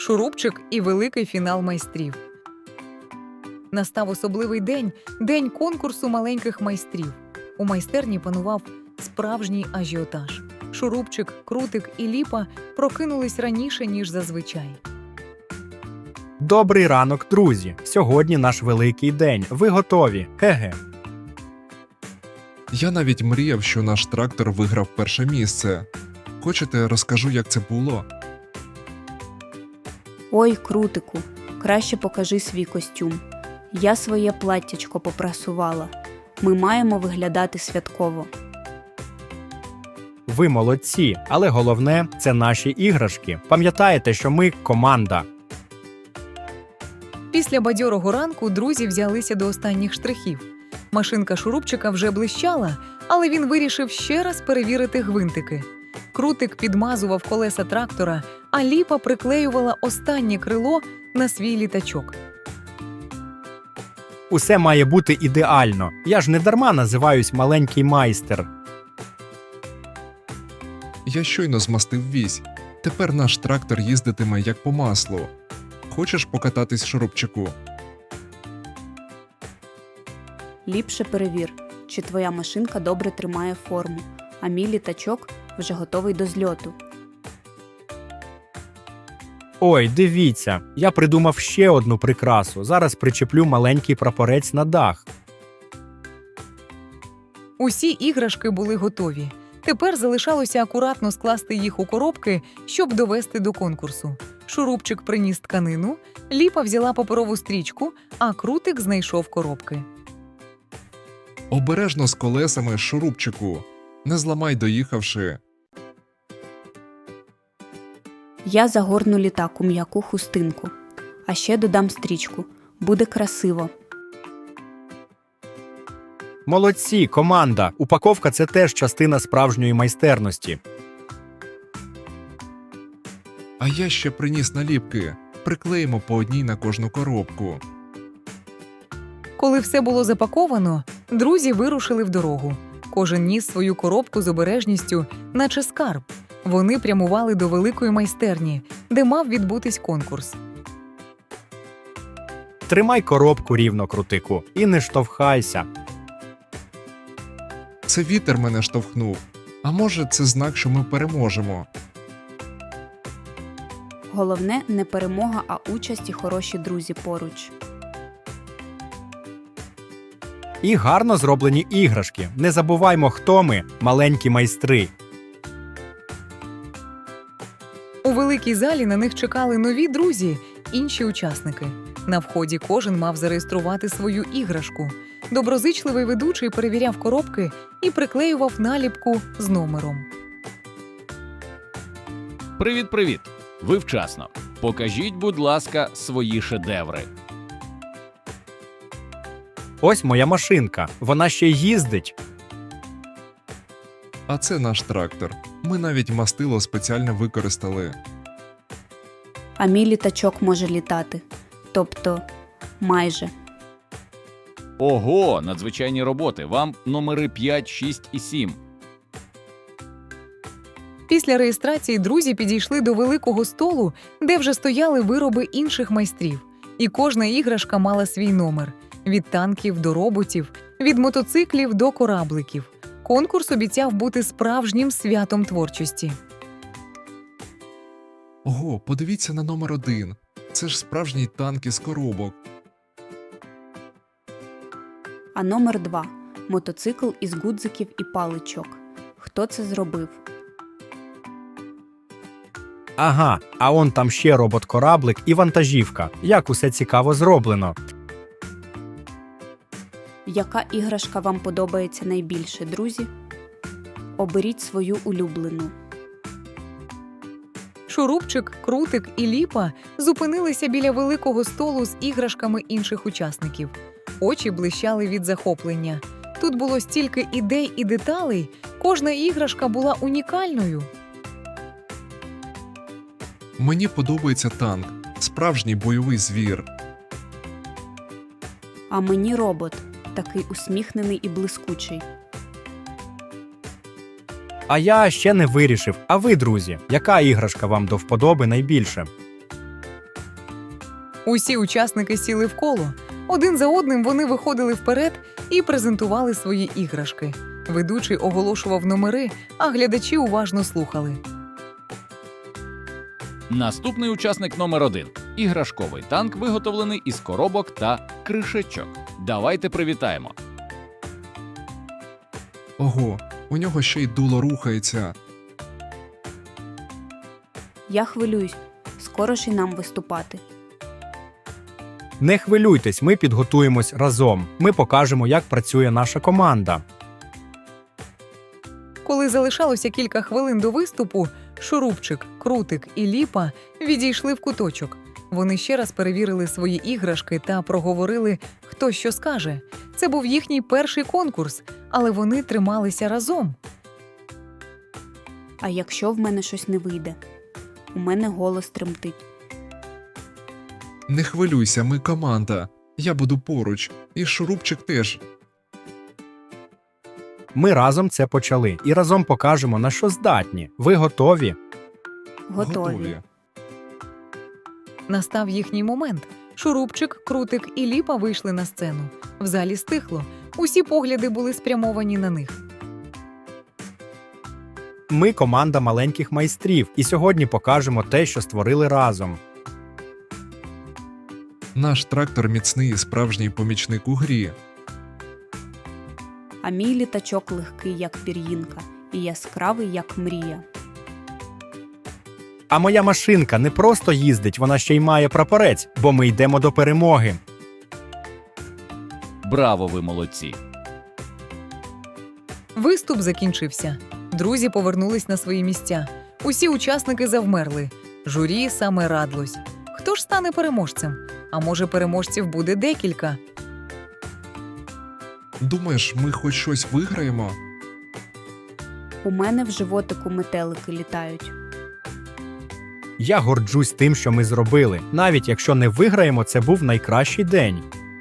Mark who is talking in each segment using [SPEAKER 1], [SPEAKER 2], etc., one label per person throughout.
[SPEAKER 1] Шурупчик і великий фінал майстрів. Настав особливий день – день конкурсу маленьких майстрів. У майстерні панував справжній ажіотаж. Шурупчик, Крутик і Ліпа прокинулись раніше, ніж зазвичай.
[SPEAKER 2] Добрий ранок, друзі! Сьогодні наш великий день. Ви готові? Ге-ге.
[SPEAKER 3] Я навіть мріяв, що наш трактор виграв перше місце. Хочете, розкажу, як це було?
[SPEAKER 4] Ой, Крутику, краще покажи свій костюм. Я своє платтячко попрасувала. Ми маємо виглядати святково.
[SPEAKER 2] Ви молодці, але головне – це наші іграшки. Пам'ятаєте, що ми – команда.
[SPEAKER 1] Після бадьорого ранку друзі взялися до останніх штрихів. Машинка Шурупчика вже блищала, але він вирішив ще раз перевірити гвинтики. Крутик підмазував колеса трактора, а Ліпа приклеювала останнє крило на свій літачок.
[SPEAKER 2] Усе має бути ідеально. Я ж не дарма називаюсь маленький майстер.
[SPEAKER 3] Я щойно змастив вісь. Тепер наш трактор їздитиме як по маслу. Хочеш покататись, Шурупчику?
[SPEAKER 4] Ліпше перевір, чи твоя машинка добре тримає форму, а мій літачок вже готовий до зльоту.
[SPEAKER 2] Ой, дивіться, я придумав ще одну прикрасу. Зараз причеплю маленький прапорець на дах.
[SPEAKER 1] Усі іграшки були готові. Тепер залишалося акуратно скласти їх у коробки, щоб довести до конкурсу. Шурупчик приніс тканину, Ліпа взяла паперову стрічку, а Крутик знайшов коробки.
[SPEAKER 3] Обережно з колесами, Шурупчику. Не зламай, доїхавши.
[SPEAKER 4] Я загорну літак у м'яку хустинку. А ще додам стрічку. Буде красиво.
[SPEAKER 2] Молодці, команда! Упаковка – це теж частина справжньої майстерності.
[SPEAKER 3] А я ще приніс наліпки. Приклеїмо по одній на кожну коробку.
[SPEAKER 1] Коли все було запаковано, друзі вирушили в дорогу. Кожен ніс свою коробку з обережністю, наче скарб. Вони прямували до великої майстерні, де мав відбутись конкурс.
[SPEAKER 2] Тримай коробку рівно, Крутику, і не штовхайся.
[SPEAKER 3] Це вітер мене штовхнув. А може, це знак, що ми переможемо?
[SPEAKER 4] Головне не перемога, а участь і хороші друзі поруч.
[SPEAKER 2] І гарно зроблені іграшки. Не забуваймо, хто ми – маленькі майстри.
[SPEAKER 1] У великій залі на них чекали нові друзі, інші учасники. На вході кожен мав зареєструвати свою іграшку. Доброзичливий ведучий перевіряв коробки і приклеював наліпку з номером.
[SPEAKER 5] Привіт-привіт! Ви вчасно. Покажіть, будь ласка, свої шедеври.
[SPEAKER 2] Ось моя машинка. Вона ще й їздить.
[SPEAKER 3] А це наш трактор. Ми навіть мастило спеціально використали.
[SPEAKER 4] А мій літачок може літати. Тобто, майже.
[SPEAKER 5] Ого, надзвичайні роботи. Вам номери 5, 6 і 7.
[SPEAKER 1] Після реєстрації друзі підійшли до великого столу, де вже стояли вироби інших майстрів. І кожна іграшка мала свій номер. Від танків до роботів, від мотоциклів до корабликів. Конкурс обіцяв бути справжнім святом творчості.
[SPEAKER 3] Ого, подивіться на номер 1. Це ж справжній танк із коробок.
[SPEAKER 4] А номер 2 – мотоцикл із гудзиків і паличок. Хто це зробив?
[SPEAKER 2] Ага, а он там ще робот-кораблик і вантажівка. Як усе цікаво зроблено.
[SPEAKER 4] Яка іграшка вам подобається найбільше, друзі? Оберіть свою улюблену.
[SPEAKER 1] Шурупчик, Крутик і Ліпа зупинилися біля великого столу з іграшками інших учасників. Очі блищали від захоплення. Тут було стільки ідей і деталей, кожна іграшка була унікальною.
[SPEAKER 3] Мені подобається танк. Справжній бойовий звір.
[SPEAKER 4] А мені робот. Такий усміхнений і блискучий.
[SPEAKER 2] А я ще не вирішив. А ви, друзі, яка іграшка вам до вподоби найбільше?
[SPEAKER 1] Усі учасники сіли в коло. Один за одним вони виходили вперед і презентували свої іграшки. Ведучий оголошував номери, а глядачі уважно слухали.
[SPEAKER 5] Наступний учасник номер 1. Іграшковий танк, виготовлений із коробок та кришечок. Давайте привітаємо.
[SPEAKER 3] Ого, у нього ще й дуло рухається.
[SPEAKER 4] Я хвилююсь. Скоро ж і нам виступати.
[SPEAKER 2] Не хвилюйтесь, ми підготуємось разом. Ми покажемо, як працює наша команда.
[SPEAKER 1] Коли залишалося кілька хвилин до виступу, Шурупчик, Крутик і Ліпа відійшли в куточок. Вони ще раз перевірили свої іграшки та проговорили, хто що скаже. Це був їхній перший конкурс, але вони трималися разом.
[SPEAKER 4] А якщо в мене щось не вийде? У мене голос тремтить.
[SPEAKER 3] Не хвилюйся, ми команда. Я буду поруч. І Шурупчик теж.
[SPEAKER 2] Ми разом це почали і разом покажемо, на що здатні. Ви готові?
[SPEAKER 4] Готові.
[SPEAKER 1] Настав їхній момент. Шурупчик, Крутик і Ліпа вийшли на сцену. В залі стихло. Усі погляди були спрямовані на них.
[SPEAKER 2] Ми команда маленьких майстрів і сьогодні покажемо те, що створили разом.
[SPEAKER 3] Наш трактор міцний і справжній помічник у грі.
[SPEAKER 4] А мій літачок легкий, як пір'їнка, і яскравий, як мрія.
[SPEAKER 2] А моя машинка не просто їздить, вона ще й має прапорець, бо ми йдемо до перемоги.
[SPEAKER 5] Браво, ви молодці!
[SPEAKER 1] Виступ закінчився. Друзі повернулись на свої місця. Усі учасники завмерли. Журі саме радлось. Хто ж стане переможцем? А може, переможців буде декілька?
[SPEAKER 3] Думаєш, ми хоч щось виграємо?
[SPEAKER 4] У мене в животику метелики літають.
[SPEAKER 2] Я горджусь тим, що ми зробили. Навіть якщо не виграємо, це був найкращий день.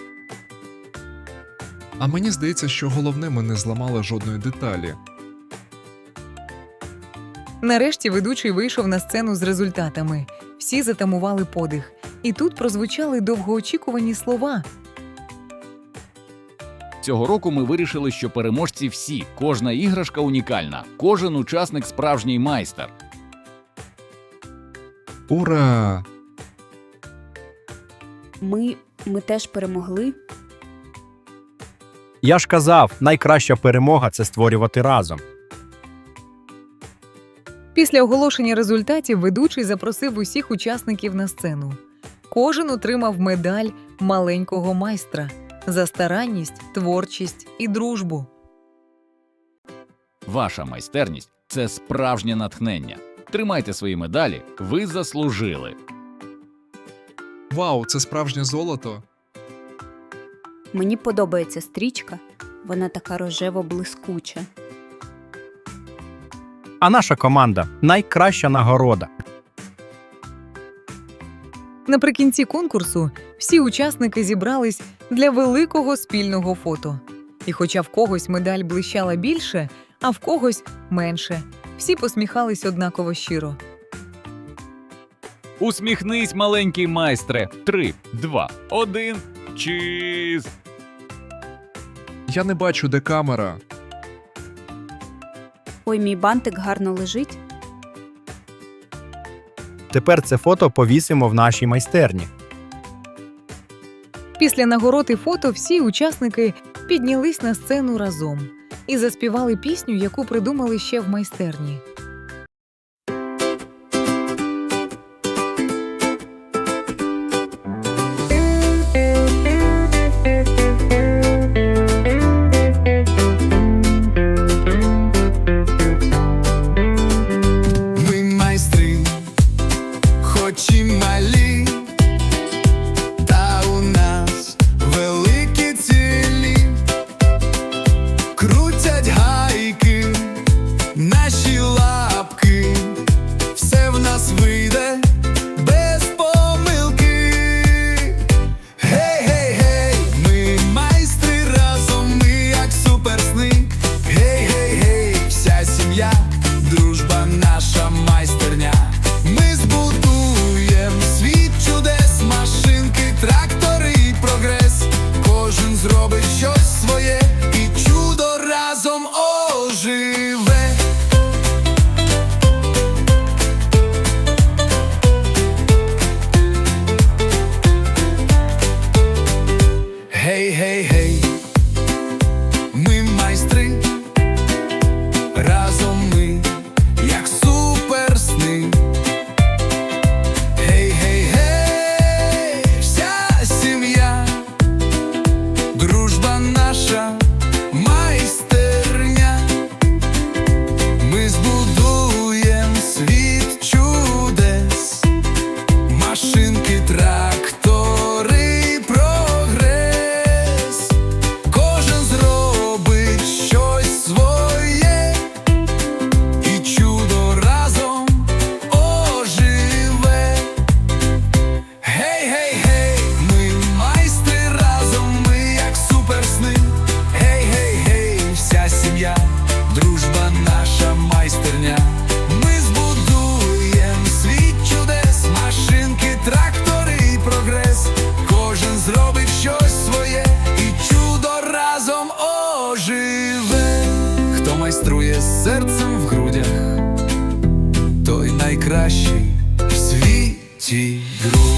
[SPEAKER 3] А мені здається, що головне, ми не зламали жодної деталі.
[SPEAKER 1] Нарешті ведучий вийшов на сцену з результатами. Всі затамували подих. І тут прозвучали довгоочікувані слова.
[SPEAKER 5] Цього року ми вирішили, що переможці всі, кожна іграшка унікальна, кожен учасник справжній майстер.
[SPEAKER 3] Ура!
[SPEAKER 4] Ми теж перемогли.
[SPEAKER 2] Я ж казав, найкраща перемога – це створювати разом.
[SPEAKER 1] Після оголошення результатів ведучий запросив усіх учасників на сцену. Кожен отримав медаль маленького майстра за старанність, творчість і дружбу.
[SPEAKER 5] Ваша майстерність – це справжнє натхнення. Тримайте свої медалі, ви заслужили.
[SPEAKER 3] Вау, це справжнє золото!
[SPEAKER 4] Мені подобається стрічка. Вона така рожево-блискуча.
[SPEAKER 2] А наша команда – найкраща нагорода.
[SPEAKER 1] Наприкінці конкурсу всі учасники зібрались для великого спільного фото. І хоча в когось медаль блищала більше, а в когось менше, всі посміхались однаково щиро.
[SPEAKER 5] Усміхнись, маленький майстре. 3, 2, 1. Чіз!
[SPEAKER 3] Я не бачу, де камера.
[SPEAKER 4] Ой, мій бантик гарно лежить.
[SPEAKER 2] Тепер це фото повісимо в нашій майстерні.
[SPEAKER 1] Після нагород і фото всі учасники піднялись на сцену разом і заспівали пісню, яку придумали ще в майстерні.
[SPEAKER 6] Ми майстри, хоч і малі, та у нас великі цілі. Крутять гайки, наші лапки, все в нас вийде без помилки. Гей-гей-гей, ми майстри разом, ми як суперсни. Гей-гей-гей, вся сім'я, дружба наша майстерня. Ми збудуєм світ чудес, машинки живе, хто майструє з серцем в грудях, той найкращий в світі друг.